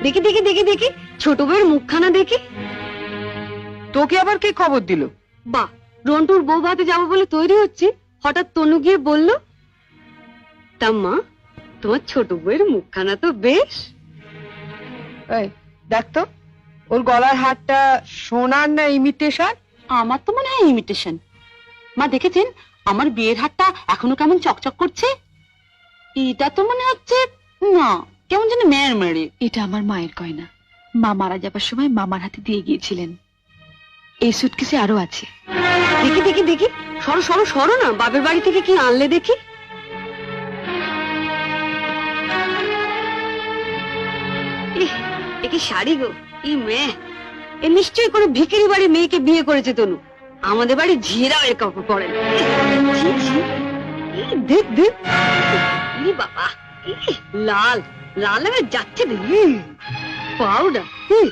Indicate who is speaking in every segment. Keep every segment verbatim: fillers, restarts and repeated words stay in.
Speaker 1: দেখি দেখি দেখি দেখি ছোট বউয়ের মুখখানা দেখি।
Speaker 2: তোকে আবার কে খবর দিল?
Speaker 1: বাহ, রন্টুর বউ ভাতে যাবো বলে তৈরি হচ্ছে, হঠাৎ তনু গিয়ে বলল, তা মা তোমার ছোট বউয়ের মুখখানা তো বেশ।
Speaker 2: এই দেখ তো, ওর গলার হারটা সোনার না ইমিটেশন?
Speaker 3: আমার তো মনে হয় ইমিটেশন। মা দেখেছেন আমার বিয়ের হারটা এখনো কেমন চকচক করছে? এটা তো মনে হচ্ছে না, কেমন যেন মেয়ের মেরে।
Speaker 4: এটা আমার মায়ের গয়না, মা মারা যাবার সময় মামার হাতে দিয়ে গিয়েছিলেন। এই সুটকেসে আরো আছে।
Speaker 1: দেখি দেখি দেখি, সরো সরো সরো না, বাপের বাড়ি থেকে কি আনলে দেখি। ইহ, এ কি শাড়ি গো, ই মেয়ে, এ নিশ্চয়ই কোনো ভিখিরি বাড়ির মেয়েকে বিয়ে করেছে তনু। আমাদের বাড়ি ঝিয়েরাও এর কাপড় পরে না। ছি, ছি, ই দেখ দেখ, ই বাবা, ই লাল লাল হয়ে যাচ্ছে দেখি, পাউডার।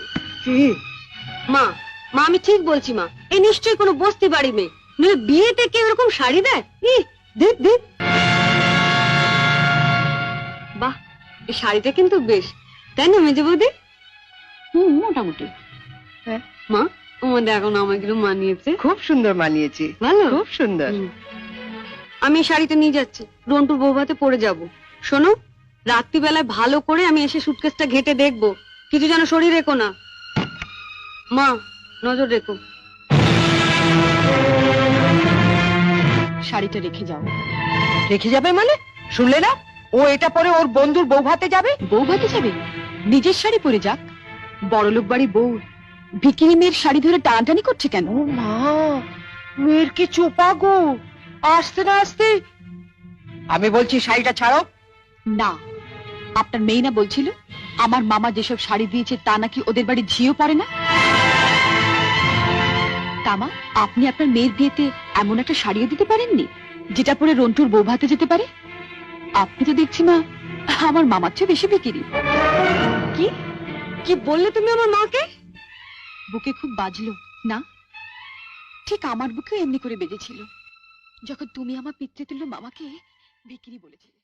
Speaker 1: মা মা আমি ঠিক বলছি মা, এ নিশ্চয়ই কোনো বস্তি বাড়ি মেয়ে, নইলে বিয়েতে কেউ এরকম শাড়ি দেয়? ই দেখ দেখ, বাহ, এই শাড়িটা কিন্তু বেশ, তাই না মেজে বৌদি?
Speaker 3: হুম, মোটামুটি।
Speaker 2: হ্যাঁ।
Speaker 1: মা আমাদের এখন আমাকে মানিয়েছে,
Speaker 2: খুব সুন্দর মানিয়েছে,
Speaker 1: ভালো,
Speaker 2: খুব সুন্দর।
Speaker 1: হুম। আমি এই শাড়িটা নিয়ে যাচ্ছি, রন্টুর বউ ভাতে পরে যাব। শোনো, রাত্রিবেলায় ভালো করে আমি এসে সুটকেসটা ঘেটে দেখবো, কিছু যেন শরীর রেখো না। মা নজর রেখো।
Speaker 4: শাড়িটা রেখে যাও।
Speaker 2: রেখে যাবে মানে? শুনলে না, ও এটা পরে ওর বন্ধুর বউ ভাতে যাবে।
Speaker 4: বউ ভাতে যাবে? নিজের শাড়ি পরে যাক। বড়লোক বাড়ি বউ ভিকিরি মেয়ের শাড়ি ধরে টানাটানি করছে কেন?
Speaker 2: ও মা, মেয়ের কি চোপা গো, আসতে না আসতে। আমি বলছি শাড়িটা ছাড়ো।
Speaker 4: না, আপনার মেয়ে না বলছিল আমার মামা যেসব শাড়ি দিয়েছে তা নাকি ওদের বাড়ি ঝিও পড়ে না? তামা, আপনি আপনার মেয়ের বিয়েতে এমন একটা শাড়িও দিতে পারেননি যেটা পরে রন্টুর বউ ভাতে যেতে পারে? আপনি তো দেখছি মা আমার মামার চেয়ে বেশি বিকিরি।
Speaker 1: কি কি বললে তুমি আমার মাকে?
Speaker 4: বুকে খুব বাজলো না? ঠিক আমার বুকেও এমনি করে বেজেছিল যখন তুমি আমার পিতৃতুল্য মামাকে বিকিরি বলেছিলে।